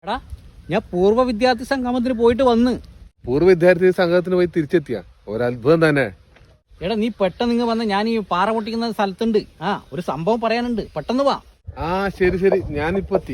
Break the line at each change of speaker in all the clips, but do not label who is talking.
എടാ ഞാൻ പൂർവ്വ വിദ്യാർത്ഥി സംഗമത്തിന് പോയിട്ട് വന്ന്.
പൂർവ്വ വിദ്യാർത്ഥി സംഘത്തിന് പോയി തിരിച്ചെത്തിയ ഒരത്ഭുതം തന്നെ.
എടാ നീ പെട്ടെന്ന് ഇങ്ങ് വന്ന്, ഞാൻ ഈ പാറ പൊട്ടിക്കുന്ന സ്ഥലത്തുണ്ട്. ഒരു സംഭവം പറയാനുണ്ട്, പെട്ടെന്ന് വാ.
ശരി ശരി, ഞാനിപ്പോ എത്തി.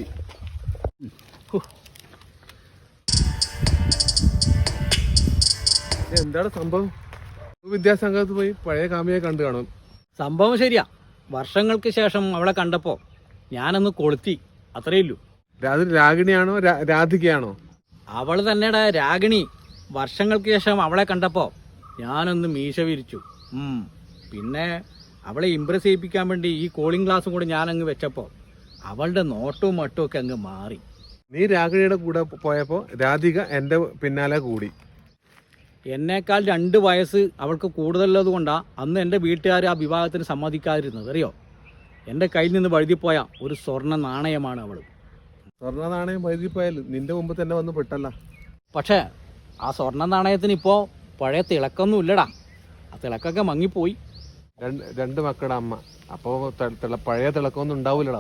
എന്താണ് സംഭവം? വിദ്യാസംഘത്ത് പോയി പഴയ കാമിയെ കണ്ടു കാണും.
സംഭവം ശരിയാ, വർഷങ്ങൾക്ക് ശേഷം അവളെ കണ്ടപ്പോ ഞാനൊന്ന് കൊളുത്തി, അത്രയേ ഉള്ളൂ.
രാഗിണിയാണോ രാധികയാണോ?
അവള് തന്നെടാ രാഗിണി. വർഷങ്ങൾക്ക് ശേഷം അവളെ കണ്ടപ്പോ ഞാനൊന്ന് മീശ വിരിച്ചു. പിന്നെ അവളെ ഇംപ്രസ് ചെയ്യിപ്പിക്കാൻ വേണ്ടി ഈ കൂളിംഗ് ഗ്ലാസും കൂടെ ഞാനങ്ങ് വെച്ചപ്പോ അവളുടെ നോട്ടവും മട്ടും ഒക്കെ അങ്ങ് മാറി.
നീ രാഗിണിയുടെ കൂടെ പോയപ്പോ രാധിക എന്റെ പിന്നാലെ കൂടി.
എന്നേക്കാൾ 2 വയസ്സ് അവൾക്ക് കൂടുതലുള്ളത് കൊണ്ടാ അന്ന് എൻ്റെ വീട്ടുകാർ ആ വിവാഹത്തിന് സമ്മതിക്കാതിരുന്നത്. അറിയോ, എൻ്റെ കയ്യിൽ നിന്ന് വഴുതിപ്പോയ ഒരു സ്വർണ്ണ നാണയമാണ് അവൾ.
സ്വർണ്ണ നാണയം വഴുതിപ്പോയാൽ നിന്റെ മുമ്പ് തന്നെ വന്ന് പെട്ടല്ല.
പക്ഷേ ആ സ്വർണ്ണ നാണയത്തിന് ഇപ്പോൾ പഴയ തിളക്കൊന്നും ഇല്ലടാ, ആ തിളക്കൊക്കെ മങ്ങിപ്പോയി.
രണ്ട് മക്കളുടെ അമ്മ, അപ്പോൾ പഴയ തിളക്കമൊന്നും ഉണ്ടാവൂലടാ.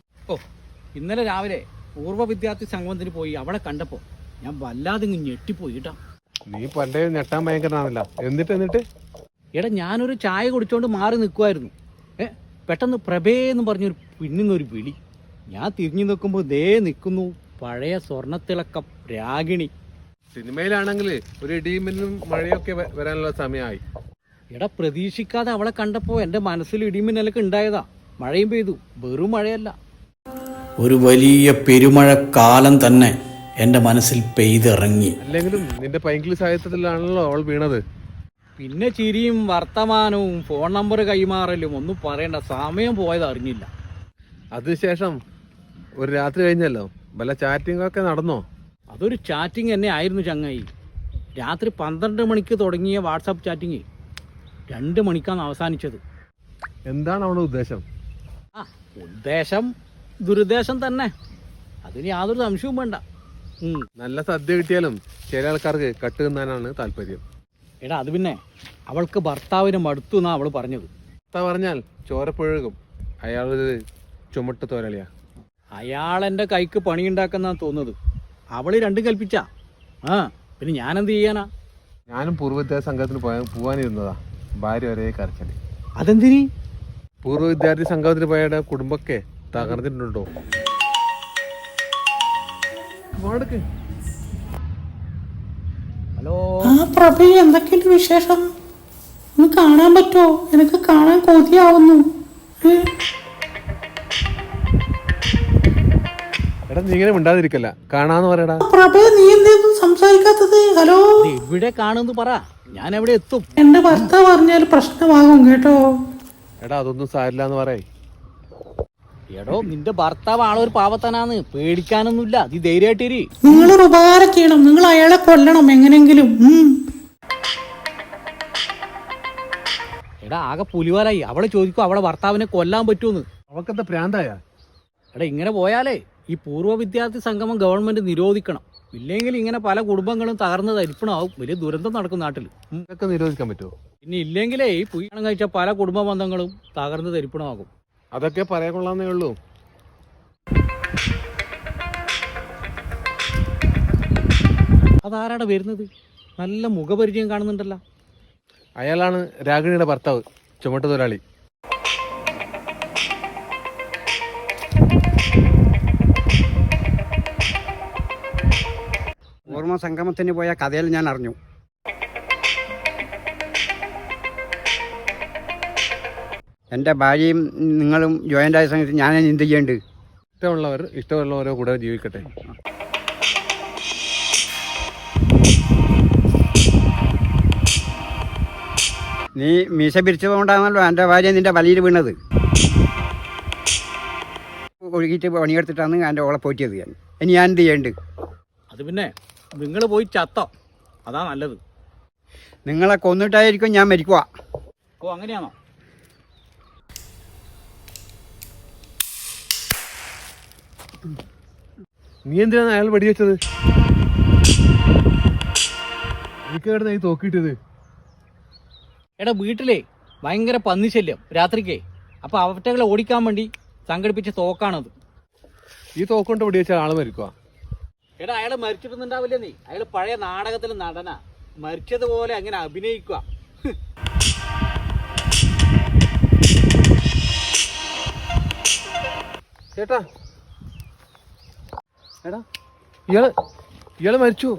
ഇന്നലെ രാവിലെ പൂർവ്വ വിദ്യാർത്ഥി സംഗമത്തിന് പോയി അവളെ കണ്ടപ്പോൾ ഞാൻ വല്ലാതെ ഇങ്ങ് ഞെട്ടിപ്പോയി കേട്ടോ.
നീ പണ്ടേ ഞെട്ടാൻ ഭയങ്കരനാണല്ല. എന്നിട്ട്
എടാ ഞാനൊരു ചായ കുടിച്ചോണ്ട് മാറി നിൽക്കുമായിരുന്നു. പെട്ടെന്ന് പ്രഭേന്ന് പറഞ്ഞൊരു പിന്നുന്നൊരു വിളി. ഞാൻ തിരിഞ്ഞു നിൽക്കുമ്പോൾ ദേ നിൽക്കുന്നു പഴയ സ്വർണ്ണത്തിളക്കം രാഗിണി.
സിനിമയിലാണെങ്കിൽ ഒരു ഇടിമിന്നും മഴയൊക്കെ വരാനുള്ള സമയമായി.
എടാ പ്രതീക്ഷിക്കാതെ അവളെ കണ്ടപ്പോൾ എൻ്റെ മനസ്സിൽ ഇടിമിന്നലൊക്കെ ഉണ്ടായതാ. മഴയും പെയ്തു, വെറും മഴയല്ല, ഒരു വലിയ പെരുമഴക്കാലം തന്നെ എൻ്റെ മനസ്സിൽ പെയ്തിറങ്ങി.
അല്ലെങ്കിലും നിന്റെ പൈങ്കിളി സാഹിത്യത്തിലാണല്ലോ അവൾ വീണത്.
പിന്നെ ചിരിയും വർത്തമാനവും ഫോൺ നമ്പർ കൈമാറലും ഒന്നും പറയണ്ട, സമയം പോയത് അറിഞ്ഞില്ല.
അതിനുശേഷം ഒരു രാത്രി കഴിഞ്ഞല്ലോ, വല്ല ചാറ്റിംഗ് ഒക്കെ നടന്നോ?
അതൊരു ചാറ്റിംഗ് തന്നെ ആയിരുന്നു ചങ്ങായി. രാത്രി 12 മണിക്ക് തുടങ്ങിയ വാട്സാപ്പ് ചാറ്റിങ് 2 മണിക്കാണ് അവസാനിച്ചത്.
എന്താണ് അവളുടെ ഉദ്ദേശം?
ഉദ്ദേശം ദുരുദ്ദേശം തന്നെ, അതിന് യാതൊരു സംശയവും വേണ്ട.
നല്ല സദ്യ കിട്ടിയാലും ചില ആൾക്കാർക്ക് കട്ട് തിന്നാനാണ് താല്പര്യം.
എടാ അത് പിന്നെ അവൾക്ക് ഭർത്താവിന് മടുത്തു എന്നാ അവള് പറഞ്ഞത്.
പറഞ്ഞാൽ ചോരപ്പുഴകും. അയാളൊരു ചുമട്ട് തോരളിയാ.
അയാളെൻ്റെ കൈക്ക് പണിയുണ്ടാക്കുന്ന തോന്നുന്നത്. അവള് രണ്ടും കൽപ്പിച്ചാ. പിന്നെ ഞാനെന്ത് ചെയ്യാനാ?
ഞാനും പൂർവ്വ വിദ്യാർത്ഥി സംഘത്തിന് പോവാനിരുന്നതാ. ഭാര്യ ഒരേ കരച്ചല്.
അതെന്തിനി?
പൂർവ്വ വിദ്യാർത്ഥി സംഘത്തിന് പോയ കുടുംബമൊക്കെ തകർന്നിട്ടുണ്ടോ?
ഹലോ
പ്രഭ, എന്തൊക്കെയുണ്ട് വിശേഷം? ഒന്ന് കാണാൻ പറ്റുമോ? എനിക്ക് കാണാൻ കൊതിയാവുന്നു.
എടാ നീ ഇങ്ങനെ മിണ്ടാതിരിക്കല്ല, കാണാന്ന് പറയടാ.
പ്രഭ, നീ എന്തൊന്നും സംസാരിക്കാത്തത്? ഹലോ,
എവിടെ കാണുന്നു പറ, ഞാൻ എവിടെ എത്തും.
എന്റെ ഭർത്താവ് പറഞ്ഞാൽ പ്രശ്നമാകും കേട്ടോ.
എടാ അതൊന്നും സാരില്ല എന്ന് പറയേ.
എടോ നിന്റെ ഭർത്താവ് ആളൊരു പാവത്തനാന്ന്, പേടിക്കാനൊന്നുമില്ല, നീ ധൈര്യമായിട്ടിരി.
നിങ്ങളൊരു ഉപകാരം ചെയ്യണം, നിങ്ങൾ അയാളെ കൊല്ലണം എങ്ങനെങ്കിലും.
എടാ ആകെ പുലിവാലായി. അവളെ ചോദിക്കും അവളെ ഭർത്താവിനെ കൊല്ലാൻ പറ്റുമെന്ന്.
അവക്കെന്താ പ്രാന്തായ?
എടാ ഇങ്ങനെ പോയാലേ ഈ പൂർവ്വ വിദ്യാർത്ഥി സംഗമം ഗവൺമെന്റ് നിരോധിക്കണം. ഇല്ലെങ്കിൽ ഇങ്ങനെ പല കുടുംബങ്ങളും തകർന്ന് തരിപ്പണമാവും, വലിയ ദുരന്തം നടക്കും നാട്ടിൽ.
ഇതൊക്കെ നിരോധിക്കാൻ പറ്റുമോ?
പിന്നെ ഇല്ലെങ്കിലേ ഈ പുയ്യാണം കഴിച്ച പല കുടുംബ ബന്ധങ്ങളും തകർന്ന് തരിപ്പണമാകും.
അതൊക്കെ പറയാൻ കൊള്ളാന്നേ ഉള്ളൂ.
അതാരാടാ വരുന്നത്? നല്ല മുഖപരിചയം കാണുന്നുണ്ടല്ലോ.
അയാളാണ് രാഗിണിയുടെ ഭർത്താവ്, ചുമട്ട് തൊഴിലാളി.
ഓർമ്മ സംഗമത്തിന് പോയ കഥയിൽ ഞാൻ അറിഞ്ഞു. എൻ്റെ ഭാര്യയും നിങ്ങളും ജോയിൻ്റ് ആയ സമയത്ത് ഞാൻ എന്ത് ചെയ്യേണ്ടത്?
ഇഷ്ടമുള്ളവരോ കൂടെ ജീവിക്കട്ടെ.
നീ മീശ പിരിച്ചതുകൊണ്ടാണല്ലോ എൻ്റെ ഭാര്യ നിൻ്റെ വലയിൽ വീണത്. ഒഴുകിയിട്ട് പണിയെടുത്തിട്ടാണ് എൻ്റെ ഓളെ പോറ്റിയത്. ഇനി ഞാൻ എന്ത് ചെയ്യേണ്ടത്?
അത് പിന്നെ നിങ്ങൾ പോയി ചത്തോ, അതാ നല്ലത്.
നിങ്ങളെ കൊന്നിട്ടായിരിക്കും ഞാൻ മരിക്കുക.
അങ്ങനെയാണോ?
നീ എന്തിനാണ് അയാൾ വെടിവെച്ചത്? എനിക്കായിരുന്നു ഈ തോക്കിട്ടത്.
എടാ വീട്ടിലേ ഭയങ്കര പന്നിശല്യം രാത്രിക്കേ. അപ്പൊ അവറ്റകളെ ഓടിക്കാൻ വേണ്ടി സംഘടിപ്പിച്ച തോക്കാണത്.
ഈ തോക്കൊണ്ട് വെടിവെച്ച ആള് മരിക്കുക.
എടാ അയാൾ മരിച്ചിട്ടൊന്നുണ്ടാവില്ല നീ. അയാൾ പഴയ നാടകത്തിൽ നടനാ. മരിച്ചതുപോലെ അങ്ങനെ അഭിനയിക്കുക.
ചേട്ടാ എടാ ഇയാള് മരിച്ചു.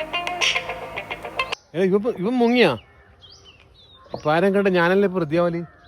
ഇവൻ മുങ്ങിയാ? ഇപ്പൊ ആരും കണ്ട ഞാനല്ലേ പ്രതിയാവലി.